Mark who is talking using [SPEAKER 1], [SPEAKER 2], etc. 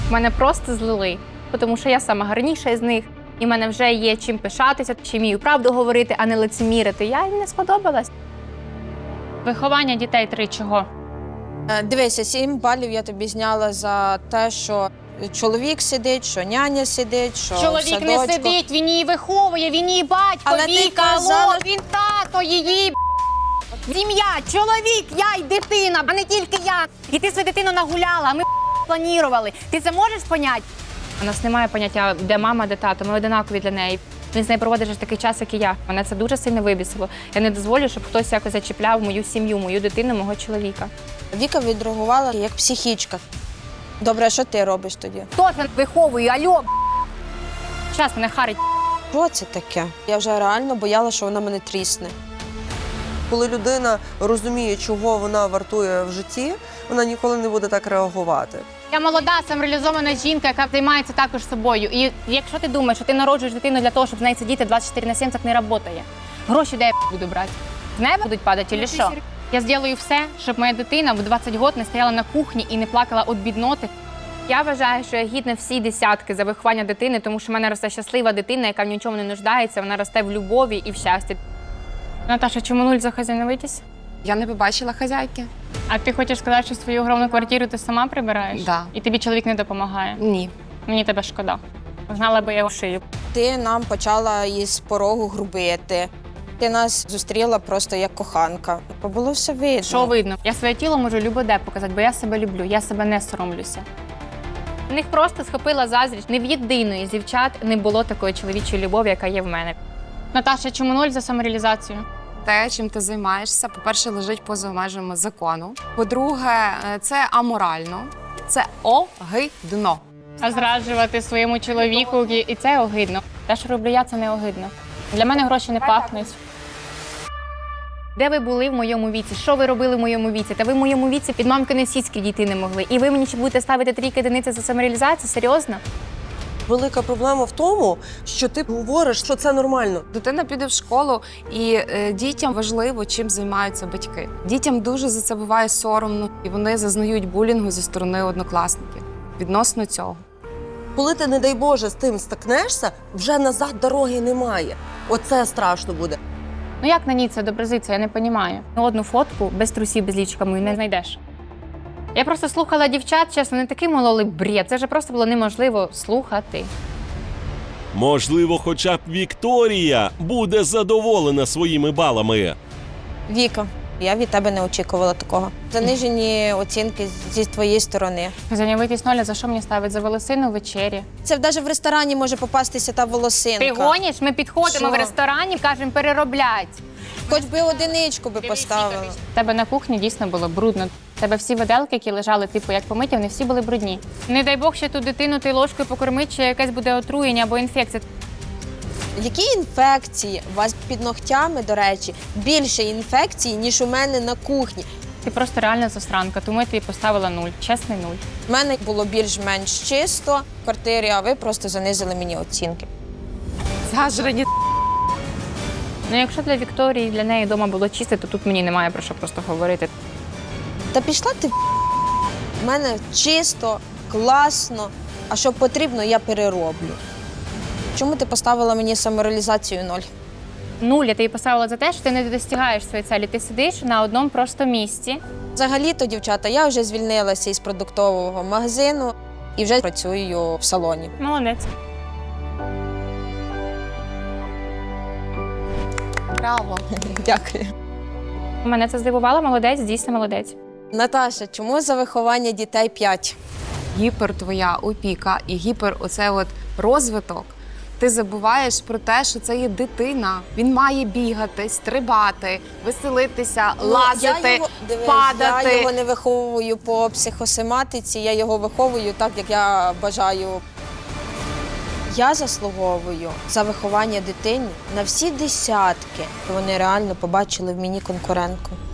[SPEAKER 1] Мене просто злили, тому що я сама гарніша з них. І в мене вже є чим пишатися, чи вмію правду говорити, а не лицемірити. Я їм не сподобалась. Виховання дітей 3 чого?
[SPEAKER 2] Дивися, 7 балів я тобі зняла за те, що чоловік сидить, що няня сидить, що
[SPEAKER 1] Чоловік не сидить, він її виховує, він її батько,
[SPEAKER 2] Але ти
[SPEAKER 1] Віка,
[SPEAKER 2] казала-
[SPEAKER 1] він тато її. Сім'я, чоловік, я й дитина, а не тільки я. І ти свою дитину нагуляла, а ми планували. Ти це можеш поняти? У нас немає поняття, де мама, де тато, ми одинакові для неї. Він з нею проводить ж такий час, як і я. Мене це дуже сильно вибісило. Я не дозволю, щоб хтось якось зачіпляв мою сім'ю, мою дитину, мого чоловіка.
[SPEAKER 2] Віка відреагувала як психічка. Добре, а що ти робиш тоді?
[SPEAKER 1] Хто це виховує? Альо, час мене харить.
[SPEAKER 2] Що це таке? Я вже реально боялася, що вона мене трісне.
[SPEAKER 3] Коли людина розуміє, чого вона вартує в житті, вона ніколи не буде так реагувати.
[SPEAKER 1] Я молода, самореалізована жінка, яка займається також собою. І якщо ти думаєш, що ти народжуєш дитину для того, щоб з нею сидіти 24/7, так не працює. Гроші де я буду брати? З неба будуть падати чи що? Я зроблю все, щоб моя дитина в 20 років не стояла на кухні і не плакала від бідноти. Я вважаю, що я гідна всі десятки за виховання дитини, тому що в мене росте щаслива дитина, яка в нічому не нуждається, вона росте в любові і в щасті. Наташа, чому 0 за хазяйновитість?
[SPEAKER 4] Я не побачила хазяйки.
[SPEAKER 1] А ти хочеш сказати, що свою огромну квартиру ти сама прибираєш?
[SPEAKER 4] Да.
[SPEAKER 1] І тобі чоловік не допомагає?
[SPEAKER 4] Ні.
[SPEAKER 1] Мені тебе шкода. Знала би я його шию.
[SPEAKER 2] Ти нам почала із порогу грубити. Ти нас зустріла просто як коханка. Було все видно.
[SPEAKER 1] Що видно? Я своє тіло можу любо-де показати, бо я себе люблю, я себе не соромлюся. В них просто схопила заздрість. Ні в єдиної з дівчат не було такої чоловічої любові, яка є в мене. Наташа, чому 0 за самореалізацію?
[SPEAKER 4] Те, чим ти займаєшся, по-перше, лежить поза межами закону. По-друге, це аморально, це огидно.
[SPEAKER 1] А зраджувати своєму чоловіку, і це огидно. Те, що роблю я, це не огидно. Для мене гроші не пахнуть. Де ви були в моєму віці? Що ви робили в моєму віці? Та ви в моєму віці під мамкини сіськи дійти не могли. І ви мені ще будете ставити 3 одиниці за самореалізацію? Серйозно?
[SPEAKER 3] Велика проблема в тому, що ти говориш, що це нормально.
[SPEAKER 4] Дитина піде в школу, і дітям важливо, чим займаються батьки. Дітям дуже за це буває соромно, і вони зазнають булінгу зі сторони однокласників відносно цього.
[SPEAKER 3] Коли ти, не дай Боже, з тим стикнешся, вже назад дороги немає. Оце страшно буде.
[SPEAKER 1] Ну як на ній це доброзиться, я не розумію. Одну фотку без трусів, без лічка мою не знайдеш. Я просто слухала дівчат, чесно, не такий мололий бред. Це вже просто було неможливо слухати.
[SPEAKER 5] Можливо, хоча б Вікторія буде задоволена своїми балами.
[SPEAKER 2] Віка, я від тебе не очікувала такого. Занижені оцінки зі твоєї сторони.
[SPEAKER 1] Зайнявитись 0, за що мені ставить? За волосину в вечері.
[SPEAKER 2] Це навіть в ресторані може попастися та волосинка.
[SPEAKER 1] Ти гониш? Ми підходимо
[SPEAKER 2] Що?
[SPEAKER 1] в ресторані, кажемо перероблять.
[SPEAKER 2] Хоч би одиничку би поставила.
[SPEAKER 1] У тебе на кухні дійсно було брудно. У тебе всі виделки, які лежали, типу, як помиті, вони всі були брудні. Не дай Бог, ще ту дитину ти ложкою покормить, чи якесь буде отруєння або інфекція.
[SPEAKER 2] Які інфекції? У вас під ногтями, до речі, більше інфекцій, ніж у мене на кухні.
[SPEAKER 1] Ти просто реальна засранка, тому я тобі поставила 0. Чесний 0.
[SPEAKER 2] У мене було більш-менш чисто в квартирі, а ви просто занизили мені оцінки.
[SPEAKER 4] Зажрані.
[SPEAKER 1] Ну, якщо для Вікторії, для неї вдома було чисте, то тут мені немає про що просто говорити.
[SPEAKER 2] Та пішла ти в мене чисто, класно, а що потрібно, я перероблю. Чому ти поставила мені самореалізацію 0?
[SPEAKER 1] 0 я тобі поставила за те, що ти не достигаєш своєї цілі. Ти сидиш на одному просто місці.
[SPEAKER 2] Взагалі-то, дівчата, я вже звільнилася із продуктового магазину і вже працюю в салоні.
[SPEAKER 1] Молодець.
[SPEAKER 4] Браво.
[SPEAKER 2] Дякую.
[SPEAKER 1] Мене це здивувало, молодець, дійсно молодець.
[SPEAKER 2] Наташа, чому за виховання дітей 5?
[SPEAKER 4] Гіпер твоя опіка і гіпер оце от розвиток. Ти забуваєш про те, що це є дитина. Він має бігати, стрибати, веселитися, лазити, падати.
[SPEAKER 2] Я його не виховую по психосоматиці, я його виховую так, як я бажаю. Я заслуговую за виховання дитини на всі десятки. Вони реально побачили в мені конкурентку.